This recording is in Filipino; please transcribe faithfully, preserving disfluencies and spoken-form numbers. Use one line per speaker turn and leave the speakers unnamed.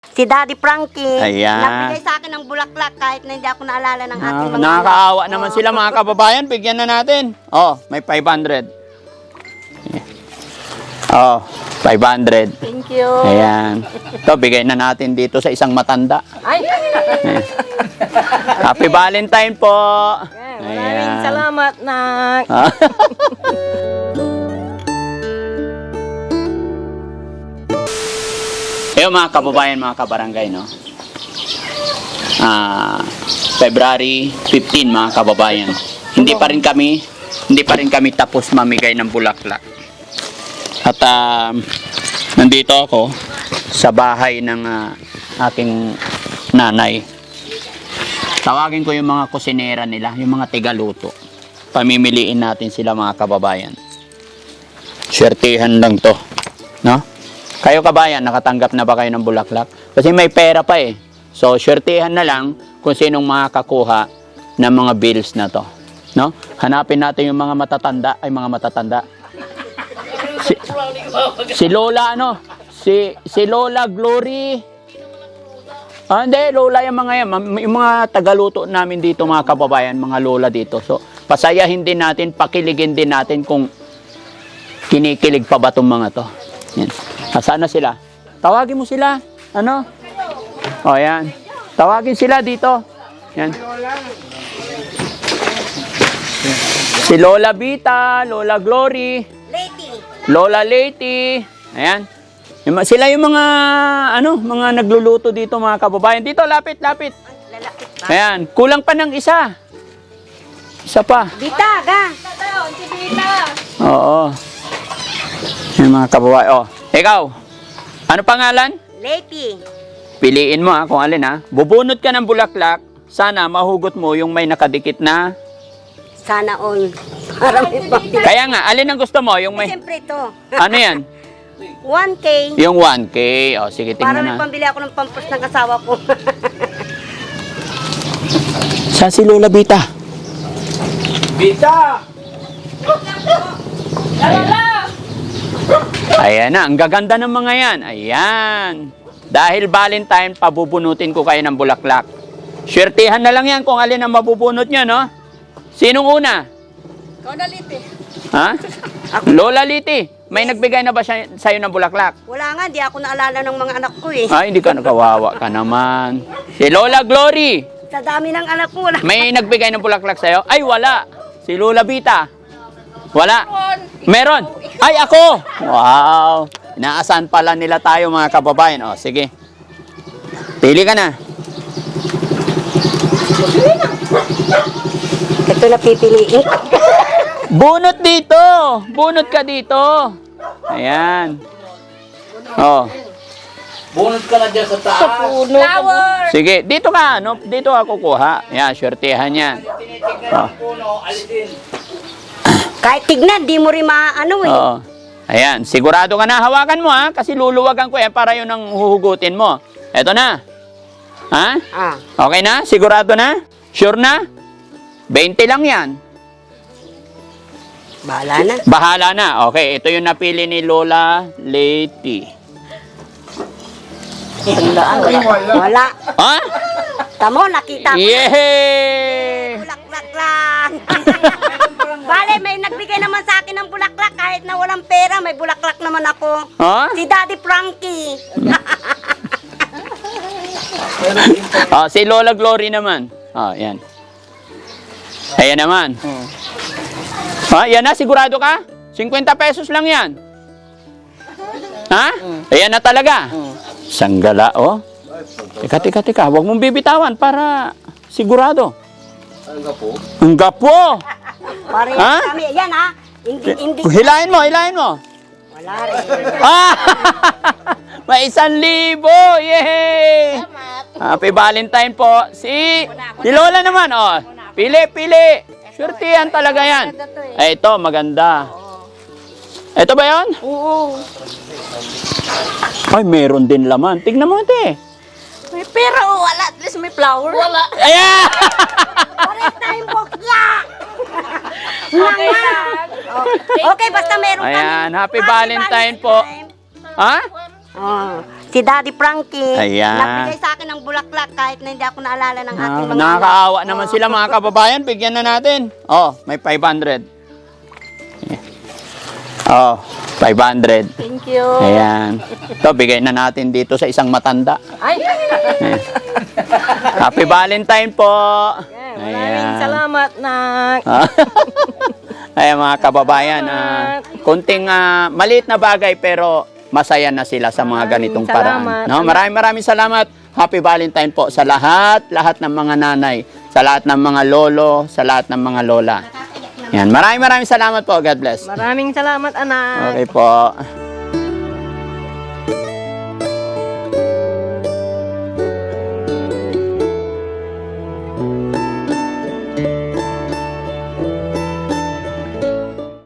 Si Daddy Frankie.
Ayan.
Nagbigay sa akin ng bulaklak kahit na hindi ako naalala ng aking
Ah,
mga
nakakaawa
anak.
naman
Oo.
sila mga kababayan. Bigyan na natin. Oh, may five hundred. Oh, five hundred.
Thank you.
Ayan. Ito, bigay na natin dito sa isang matanda.
Ay,
Ayan. Happy Valentine po.
maraming salamat, Nak.
Ah. Ayun mga kababayan, mga kabarangay, no? Ah, February fifteen, mga kababayan. Hindi pa rin kami, hindi pa rin kami tapos mamigay ng bulaklak. At ah, nandito ako sa bahay ng ah, aking nanay. Tawagin ko yung mga kusinera nila, yung mga tigaluto. Pamimiliin natin sila mga kababayan. Swertihan lang to, no? Kayo kabayan, nakatanggap na ba kayo ng bulaklak? Kasi may pera pa eh. So, swertihan na lang kung sinong makakakuha ng mga bills na to, no? Hanapin natin yung mga matatanda, ay mga matatanda. Si, si Lola ano? Si si Lola Glory. Ah, hindi, Lola yung mga yan. Yung mga tagaluto namin dito, mga kababayan, mga Lola dito. So, pasayahin din natin, pakiligin din natin kung kinikilig pa ba itong mga to. Yan. Asana sila? Tawagin mo sila. Ano? O, yan. Tawagin sila dito. Yan. Si Lola Vita, Lola Glory,
Lady.
Lola Leti. Ayan. Yung mga- Sila yung mga, ano, mga nagluluto dito, mga kababayan. Dito, lapit, lapit.
Lalapit ba?
Ayan. Kulang pa ng isa. Isa pa.
Bita, ga.
Oo. Yung mga kababayan. Oh, ikaw. Ano pangalan?
Lady.
Piliin mo ha, kung alin ha. Bubunot ka ng bulaklak. Sana mahugot mo yung may nakadikit na.
Sana all. Para may pambili.
Kaya nga, alin ang gusto mo? Yung may,
Siyempre ito.
ano yan?
one K.
Yung one K. O, sige,
Para
tingnan
may
na.
pambili ako ng pampers ng asawa ko.
Sa si Lola Bita.
Bita!
Ayan na, ang gaganda ng mga yan. Ayan. Dahil Valentine, pabubunutin ko kayo ng bulaklak. Swertihan na lang yan kung alin ang mabubunot nyo, no? Sinong una?
Ikaw na, Liti.
Ha? Lola Liti, may nagbigay na ba siya, sa'yo ng bulaklak?
Wala nga, di ako naalala ng mga anak ko eh.
Ay, hindi ka nakawawa ka naman. Si Lola Glory,
Sa dami ng anak ko, wala.
may nagbigay ng bulaklak sa'yo? Ay, wala. Si Lola Bita? Wala. Meron. Ay, ako! Wow. Inaasahan pala nila tayo, mga kababayan. O, sige. Pili ka na.
Ito na pipiliin.
Bunot dito. Bunot ka dito. Ayan. Oh.
Bunot ka na dyan sa taas.
Flower!
Sige, dito ka. No? Dito ka kukuha. Ayan, swertihan yan.
Tinitignan
Oh.
ang puno, alisin.
Kahit tignan, di mo rin maano eh.
Oo. Ayan, sigurado ka na. Hawakan mo ha, kasi luluwagan ko eh para yun ang huhugutin mo. Eto na. Ha?
Ah.
Okay na? Sigurado na? Sure na? twenty lang yan.
Bahala na.
Bahala na. Okay, ito yung napili ni Lola Leti.
Tandaan, wala. Wala.
Ha?
Tamo, nakita ko.
Yay!
Bulaklak lang. Bale, may nagbigay naman sa akin ng bulaklak kahit na walang pera, may bulaklak naman ako.
Ha?
Si Daddy Frankie.
Oh, si Lola Glory naman. Oh, yan. Ayan naman. Ha? Yan na, sigurado ka? fifty pesos lang yan. Ha? Ayan na talaga. Sanggala, oh. Teka, teka, teka. Huwag mong bibitawan para sigurado.
Ang gapo.
Ang gapo!
Pare,
Ha?
kami, yan ha. Hindi, hindi.
Hilahin mo, hilahin mo.
Wala rin.
Ah! May isang libo! Yay! Happy Valentine po. Si, si Lola naman, oh. Pili, pili. Swertihan talaga yan. Eh, ito, maganda. Ito ba yan?
Oo.
Ay, meron din laman. Tignan mo, ate.
May pera o wala. At least may flower. Wala.
Ayan!
Pares na yung bokya. Okay lang. Okay, basta meron kami.
Ayan, happy Valentine po. Ha?
Oh. Si Daddy Frankie.
Ayan.
Nagbigay sa akin ng bulaklak kahit na hindi ako naalala ng aking
Ah,
mga
nakakaawa
anak.
naman
Oo.
sila mga kababayan. Bigyan na natin. Oh, may five hundred. Oh, five hundred.
Thank you.
Ayan. Ito, bigay na natin dito sa isang matanda.
Ay,
Ayan. Happy Valentine po.
maraming salamat, Nak.
Ah. Ayan mga kababayan, ah, kunting ah, maliit na bagay pero masaya na sila sa mga ganitong paraan.
salamat.
No, maraming maraming salamat. Happy Valentine po sa lahat, lahat ng mga nanay, sa lahat ng mga lolo, sa lahat ng mga lola. Yan, maraming maraming salamat po. God bless.
Maraming salamat, anak.
Okay po.